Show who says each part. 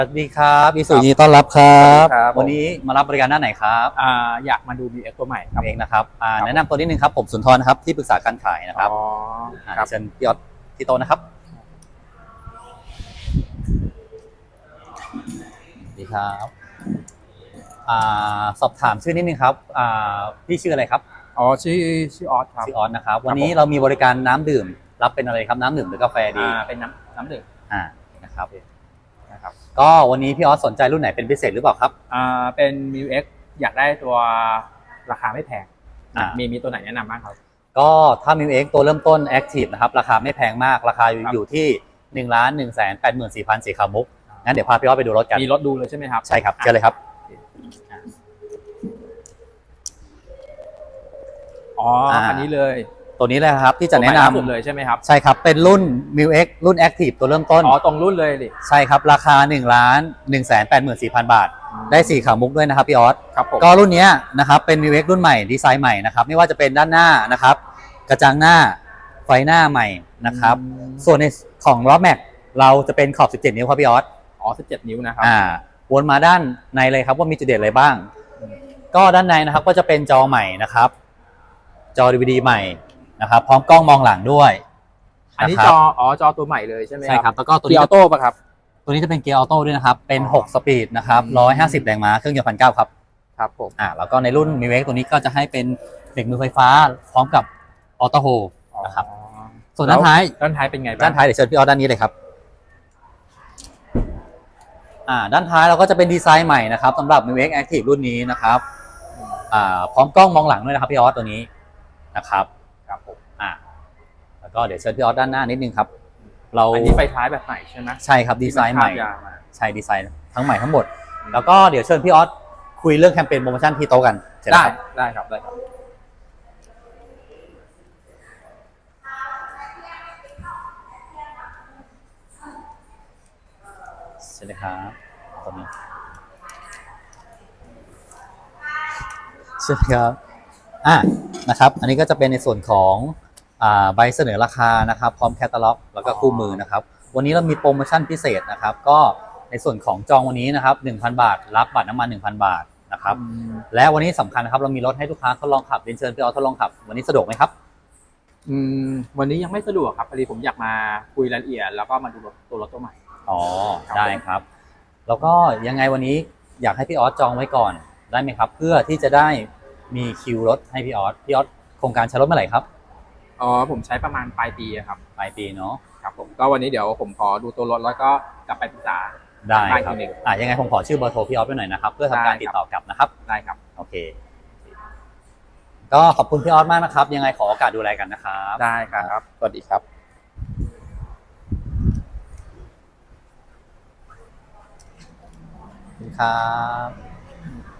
Speaker 1: สวัสดีครับอีสุยินดีต้อนรับครับวันนี้มารับบริการด้านไหนครับ
Speaker 2: อยากมาดู BX ตัวใหม่
Speaker 1: ครับเองนะครับแนะนำตัวนิดนึงครับผมสุนทรนะครับที่ปรึกษาการขายนะครับเชิญพี่ออสที่โต๊ะนะครับสวัสดีครับสอบถามชื่อนิดนึงครับพี่ชื่ออะไรครับ
Speaker 2: ชื่อออสครับ
Speaker 1: ชื่อออสนะครับวันนี้เรามีบริการน้ำดื่มรับเป็นอะไรครับน้ำดื่มหรือกาแฟดี
Speaker 2: เป็นน้ำดื่ม
Speaker 1: นะครับก็วันนี้พี่ออสสนใจรุ่นไหนเป็นพิเศษหรือเปล่าครับ
Speaker 2: เป็น MIUX อยากได้ตัวราคาไม่แพงมีตัวไหนแนะนำบ้างครับ
Speaker 1: ก็ถ้า MIUX ตัวเริ่มต้น Active นะครับราคาไม่แพงมากราคาอยู่ที่1,184,000สีขาวมุกงั้นเดี๋ยวพาพี่ออสไปดูรถกัน
Speaker 2: มีรถดูเลยใช่ไหมครับ
Speaker 1: ใช่ครับเชิญเลยครับ
Speaker 2: อันนี้เลย
Speaker 1: ตัวนี้เลยครับที่จะแนะนำ
Speaker 2: เลยใช่ไหมครับ
Speaker 1: ใช่ครับเป็นรุ่น MIUX รุ่น Active ตัวเริ่มต้น
Speaker 2: ตรงรุ่นเลยดิ
Speaker 1: ใช่ครับราคา1,184,000 บาทได้สีขาวมุกด้วยนะครับพี่ออส
Speaker 2: ครับผม
Speaker 1: ก็รุ่นนี้นะครับเป็น MIUX รุ่นใหม่ดีไซน์ใหม่นะครับไม่ว่าจะเป็นด้านหน้านะครับกระจังหน้าไฟหน้าใหม่นะครับส่วนในของล้อแม็กเราจะเป็นขอบ17นิ้วครับพี่ออส
Speaker 2: 17นิ้วนะครับ
Speaker 1: วนมาด้านในเลยครับว่ามีจุดเด่นอะไรบ้างก็ด้านในนะครับก็จะเป็นจอใหม่นะครับจอ DVD ใหม่นะครับพร้อมกล้องมองหลังด้วย
Speaker 2: อันนี้จอตัวใหม่เลยใช่ไหม
Speaker 1: ใช่ครับแล้วก็ตัว
Speaker 2: นี้
Speaker 1: อ
Speaker 2: อโต้ป่ะครับ
Speaker 1: ตัวนี้จะเป็นเกียร์ออโต้ด้วยนะครับเป็น6สปีดนะครับ150แรงม้าเครื่องยนต์1,900ครับ
Speaker 2: ครับผม
Speaker 1: แล้วก็ในรุ่น MIUX ตัวนี้ก็จะให้เป็นเบรกมือไฟฟ้าพร้อมกับออโต้โฮนะครับส่วนด้านท้าย
Speaker 2: เป็นไงบ้าง
Speaker 1: ด้านท้ายเดี๋ยวเชิญพี่ออสด้านนี้เลยครับด้านท้ายเราก็จะเป็นดีไซน์ใหม่นะครับสำหรับ MIUX Active รุ่นนี้นะครับพร้อมกล้องมองหลังด้วยนะครับพี่ออสตัวนี้นะครับ
Speaker 2: ผม
Speaker 1: แล้วก็เดี๋ยวเชิญพี่ออสด้านหน้านิดนึงครับ
Speaker 2: อันนี้ไฟท้ายแบบใหม่ใช่ไหม
Speaker 1: ใช่ครับดีไซน์ใหม่ใช่ดีไซน์ทั้งใหม่ทั้งหมดแล้วก็เดี๋ยวเชิญพี่ออสคุยเรื่องแคมเปญโปรโมชั่นที่โต๊ะกัน
Speaker 2: ได้ครับ
Speaker 1: สวัสดีครับตอนนี้ใช่ครับนะครับอันนี้ก็จะเป็นในส่วนของใบเสนอราคานะครับพร้อมแคตตาล็อกแล้วก็คู่มือนะครับวันนี้เรามีโปรโมชั่นพิเศษนะครับก็ในส่วนของจองวันนี้นะครับ 1,000 บาทรับบัตรน้ำมัน 1,000 บาทนะครับและวันนี้สำคัญนะครับเรามีรถให้ลูกค้าทดลองขับเรียนเชิญพี่ออสทดลองขับวันนี้สะดวกไหมครับ
Speaker 2: วันนี้ยังไม่สะดวกครับพอดีผมอยากมาคุยรายละเอียดแล้วก็มาดูตัวรถตัวใหม่
Speaker 1: ได้ครับแล้วก็ยังไงวันนี้อยากให้พี่ออสจองไว้ก่อนได้ไหมครับเพื่อที่จะได้มีคิวรถให้พี่ออสโครงการใช้รถเมื่อไหร่ครับ
Speaker 2: ผมใช้ประมาณปลายปีครับ
Speaker 1: ปลายปีเนาะ
Speaker 2: ครับผมก็วันนี้เดี๋ยวผมขอดูตัวรถแล้วก็กลับไปปรึกษา
Speaker 1: ได้ครับยังไงผมขอชื่อเบอร์โทรพี่ออสไปหน่อยนะครับเพื่อทำการติดต่อกลับนะครับ
Speaker 2: ได้ครับ
Speaker 1: โอเคก็ขอบคุณพี่ออสมากนะครับยังไงขอโอกาสดูแลกันนะครับ
Speaker 2: ได้ครับสวัสดีครับ
Speaker 1: ครับ